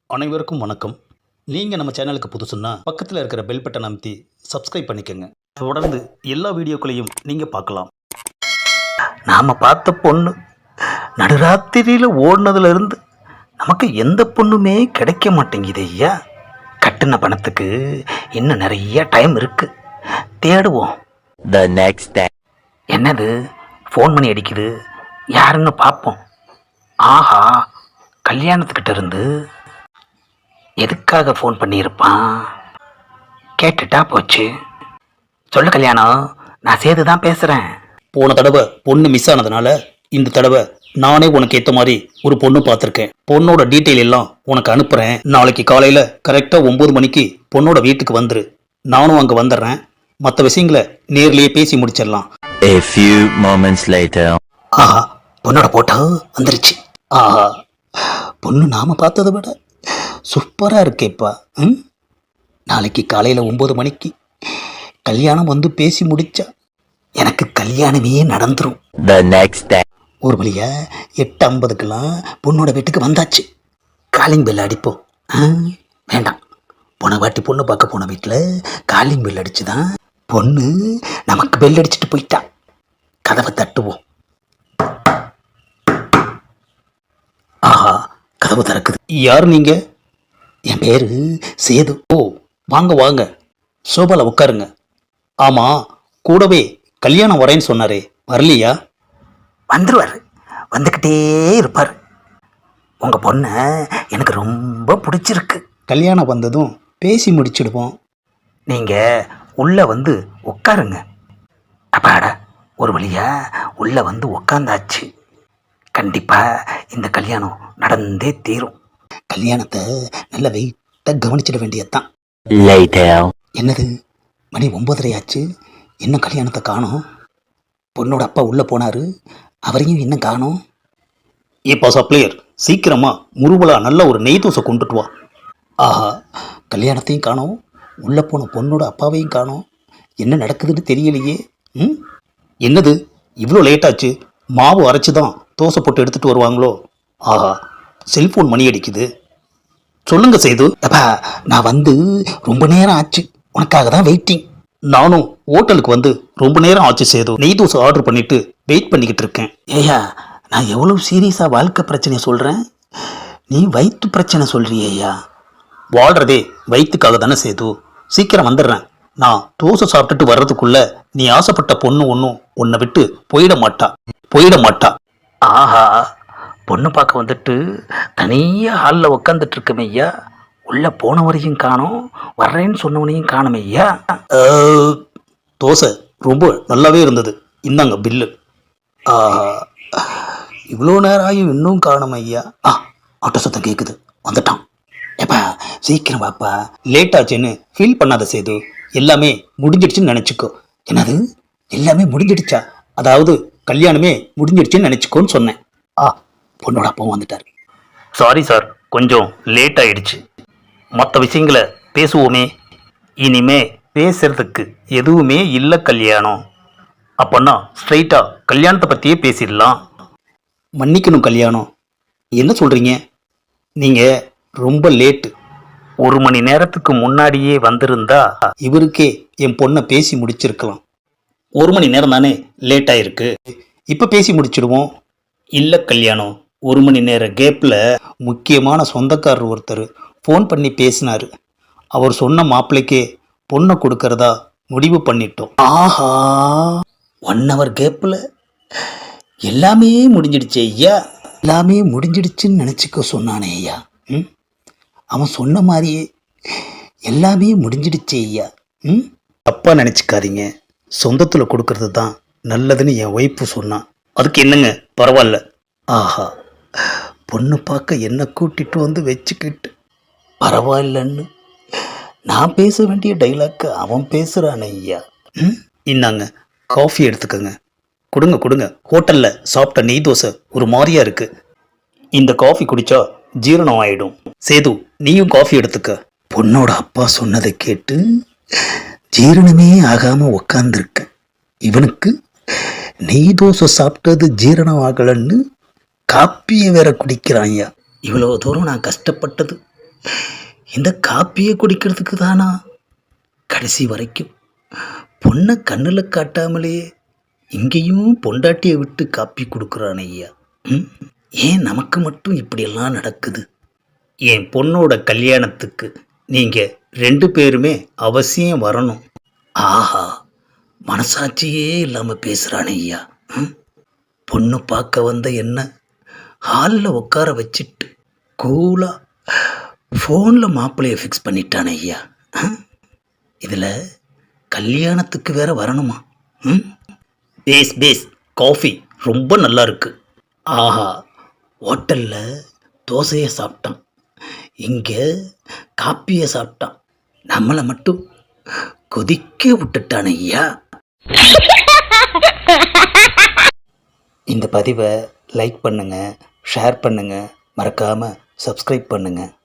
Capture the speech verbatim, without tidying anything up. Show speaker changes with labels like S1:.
S1: அனைவருக்கும் வணக்கம். நீங்கள் நம்ம சேனலுக்கு புதுசுன்னா பக்கத்தில் இருக்கிற பெல் பட்டன் அமைத்தி சப்ஸ்கிரைப் பண்ணிக்கோங்க. தொடர்ந்து எல்லா வீடியோக்களையும் நீங்கள் பார்க்கலாம். நாம் பார்த்த பொண்ணு நடுராத்திரியில் ஓடினதுலேருந்து நமக்கு எந்த பொண்ணுமே கிடைக்க மாட்டேங்குது ஐயா. கட்டின பணத்துக்கு இன்னும் நிறைய டைம் இருக்குது, தேடுவோம்.
S2: The next day.
S1: என்னது ஃபோன் பண்ணி அடிக்குது, யாருன்னு பார்ப்போம். ஆஹா, கல்யாணத்துக்கிட்ட இருந்து எதுக்காக ஃபோன் பண்ணியிருப்பான்? கேட்டுட்டா போச்சு. சொல்லு கல்யாணம், நான் சேது தான் பேசுகிறேன். போன தடவை பொண்ணு மிஸ் ஆனதுனால இந்த தடவை நானே உனக்கு ஏற்ற மாதிரி ஒரு பொண்ணு பார்த்துருக்கேன். பொண்ணோட டீட்டெயில் எல்லாம் உனக்கு அனுப்புகிறேன். நாளைக்கு காலையில் கரெக்டாக ஒம்பது மணிக்கு பொண்ணோட வீட்டுக்கு வந்துரு. நானும் அங்கே வந்துடுறேன். மற்ற விஷயங்களை நேர்லேயே பேசி முடிச்சிடலாம்.
S2: A few moments later.
S1: ஆஹா, பொண்ணோட போட்டோ வந்துருச்சு. ஆஹா, பொண்ணு நாம் பார்த்ததை விட சூப்பராக இருக்கேப்பா. ம், நாளைக்கு காலையில் ஒம்பது மணிக்கு கல்யாணம் வந்து பேசி முடிச்சா எனக்கு கல்யாணமே நடந்துடும்.
S2: The next day.
S1: ஒரு வழியா எட்டு ஐம்பதுக்கெல்லாம் பொண்ணோட வீட்டுக்கு வந்தாச்சு. காலிங் பெல் அடிப்போம். ஆ, வேண்டாம். போன வாட்டி பொண்ணு பார்க்க போன வீட்டில் காலிங் பெல் அடிச்சு தான் பொண்ணு நமக்கு பெல் அடிச்சுட்டு போயிட்டா. கதவை தட்டுவோம். ஆஹா, கதவு திறக்குது. யார் நீங்க? என் பேரு சேது. ஓ, வாங்க வாங்க, சோபால உட்காருங்க. ஆமா, கூடவே கல்யாணம் வரேன்னு சொன்னாரே, வரலையா? வந்துருவார், வந்துக்கிட்டே இருப்பார். உங்கள் பொண்ணை எனக்கு ரொம்ப பிடிச்சிருக்கு. கல்யாணம் வந்ததும் பேசி முடிச்சிடுவோம். நீங்கள் உள்ளே வந்து உட்காருங்க. அப்பாடா, ஒரு வழியா உள்ளே வந்து உட்காந்தாச்சு. கண்டிப்பாக இந்த கல்யாணம் நடந்தே தீரும். கல்யாணத்தை நல்ல வெயிட்டாக கவனிச்சிட வேண்டியதுதான்.
S2: Later.
S1: என்னது, மணி ஒம்பதரை ஆச்சு, இன்னும் கல்யாணத்தை காணோம். பொண்ணோட அப்பா உள்ளே போனார், அவரையும் இன்னும் காணோம். ஏப்பா சப்ளையர், சீக்கிரமா முருவலா நல்ல ஒரு நெய் தோசை கொண்டுட்டு வா. ஆஹா, கல்யாணத்தையும் காணோம், உள்ளே போன பொண்ணோட அப்பாவையும் காணோம். என்ன நடக்குதுன்னு தெரியலையே. ம், என்னது இவ்வளோ லேட்டாச்சு? மாவு அரைச்சி தான் தோசை போட்டு எடுத்துகிட்டு வருவாங்களோ? ஆஹா, செல்ஃபோன் மணி அடிக்குது. சொல்லுங்க சேது. அப்பா, நான் வந்து ரொம்ப நேரம் ஆச்சு, உனக்காக தான் வெயிட்டிங். நானும் ஹோட்டலுக்கு வந்து ரொம்ப நேரம் ஆச்சு சேது. நெய் தோசை ஆர்டர் பண்ணிட்டு வெயிட் பண்ணிக்கிட்டு இருக்கேன். ஏயா, நான் எவ்வளோ சீரியஸாக வாழ்க்கை பிரச்சனையை சொல்கிறேன், நீ வயிற்று பிரச்சனை சொல்கிறியா? வாழ்கிறதே வயிற்றுக்காக தானே சேது. சீக்கிரம் வந்துடுறேன். நான் தோசை சாப்பிட்டுட்டு வர்றதுக்குள்ள நீ ஆசைப்பட்ட பொண்ணு ஒன்றும் உன்னை விட்டு போயிட மாட்டா, போயிட மாட்டா. ஆஹா, பொண்ணு பார்க்க வந்துட்டு தனியாக ஹாலில் உக்காந்துட்டு இருக்கமே ஐயா. உள்ளே போனவரையும் காணோம், வர்றேன்னு சொன்னவனையும் காணுமே ஐயா. தோசை ரொம்ப நல்லாவே இருந்தது, இந்தாங்க பில்லு. ஆஹா, இவ்வளோ நேரம் ஆகியும் இன்னும் காணும் ஐயா. ஆ, ஆட்டோ சத்தம் கேட்குது, வந்துட்டான். ஏப்பா சீக்கிரம் வாப்பா, லேட் ஆச்சுன்னு ஃபீல் பண்ணாத சேது. எல்லாமே முடிஞ்சிடுச்சுன்னு நினச்சிக்கோ. என்னது, எல்லாமே முடிஞ்சிடுச்சா? அதாவது கல்யாணமே முடிஞ்சிடுச்சுன்னு நினச்சிக்கோன்னு சொன்னேன். ஆ, பொண்ணோட அப்பாவும் வந்துட்டார். சாரி சார், கொஞ்சம் லேட் ஆயிடுச்சு. மற்ற விஷயங்களை பேசுவோமே. இனிமே பேசுறதுக்கு எதுவுமே இல்லை கல்யாணம். அப்போன்னா ஸ்ட்ரைட்டாக கல்யாணத்தை பற்றியே பேசிடலாம். மன்னிக்கணும் கல்யாணம், என்ன சொல்கிறீங்க? நீங்கள் ரொம்ப லேட்டு. ஒரு மணி நேரத்துக்கு முன்னாடியே வந்திருந்தா இவருக்கே என் பொண்ணை பேசி முடிச்சிருக்கலாம். ஒரு மணி நேரம் தானே லேட் ஆயிருக்கு, இப்போ பேசி முடிச்சிடுவோம். இல்லை கல்யாணம், ஒரு மணி நேர கேப்பில் முக்கியமான சொந்தக்காரர் ஒருத்தர் ஃபோன் பண்ணி பேசினார். அவர் சொன்ன மாப்பிள்ளைக்கே பொண்ணை கொடுக்கறதா முடிவு பண்ணிட்டோம். ஆஹா, ஒன் ஹவர் கேப்பில் எல்லாமே முடிஞ்சிடுச்சு ஐயா. எல்லாமே முடிஞ்சிடுச்சுன்னு நினச்சிக்க சொன்னானே ஐயா. ம், அவன் சொன்ன மாதிரியே எல்லாமே முடிஞ்சிடுச்சு ஐயா. ம், தப்பாக நினச்சிக்காதீங்க, சொந்தத்தில் கொடுக்கறது தான் நல்லதுன்னு என் ஒய்ஃபு சொன்னான். அதுக்கு என்னங்க, பரவாயில்ல. ஆஹா, பொண்ணு பார்க்க என்ன கூட்டிட்டு வந்து வச்சுக்கிட்டு பரவாயில்லன்னு நான் பேச வேண்டிய டைலாக்கு அவன் பேசுகிறான் ஐயா. ம், இந்தாங்க காஃபி எடுத்துக்கோங்க. கொடுங்க கொடுங்க, ஹோட்டலில் சாப்பிட்ட நெய் தோசை ஒரு மாதிரியா இருக்கு. இந்த காஃபி குடிச்சா ஜீரணம் ஆயிடும். சேது, நீயும் காஃபி எடுத்துக்க. பொண்ணோட அப்பா சொன்னதை கேட்டு ஜீரணமே ஆகாமல் உக்காந்துருக்க இவனுக்கு நெய் தோசை சாப்பிட்டது ஜீரணம் ஆகலன்னு காப்பியை வேற குடிக்கிறான்யா. இவ்வளோ தூரம் நான் கஷ்டப்பட்டது இந்த காப்பியை குடிக்கிறதுக்கு தானா கடைசி வரைக்கும் பொண்ணை கண்ணில் காட்டாமலேயே இங்கேயும் பொண்டாட்டியை விட்டு காப்பி கொடுக்குறான் ஐயா. ம்? ஏன் நமக்கு மட்டும் இப்படியெல்லாம் நடக்குது? என் பொண்ணோட கல்யாணத்துக்கு நீங்கள் ரெண்டு பேருமே அவசியம் வரணும். ஆஹா, மனசாட்சியே இல்லாமல் பேசுகிறானே ஐயா. ம்? பொண்ணு பார்க்க வந்த என்ன ஹாலில் உட்கார வச்சுட்டு கூலாக ஃபோனில் மாப்பிள்ளையை ஃபிக்ஸ் பண்ணிட்டானே ஐயா. இதில் கல்யாணத்துக்கு வேற வரணுமா? ம்? பேஸ் பேஸ் காஃபி ரொம்ப நல்லா இருக்கு. ஆஹா, ஹோட்டலில் தோசையை சாப்பிட்டான், இங்கே காப்பியை சாப்பிட்டான், நம்மளை மட்டும் கொதிக்க விட்டுட்டான் ஐயா. இந்த பதிவை லைக் பண்ணுங்கள், ஷேர் பண்ணுங்கள், மறக்காமல் சப்ஸ்கிரைப் பண்ணுங்கள்.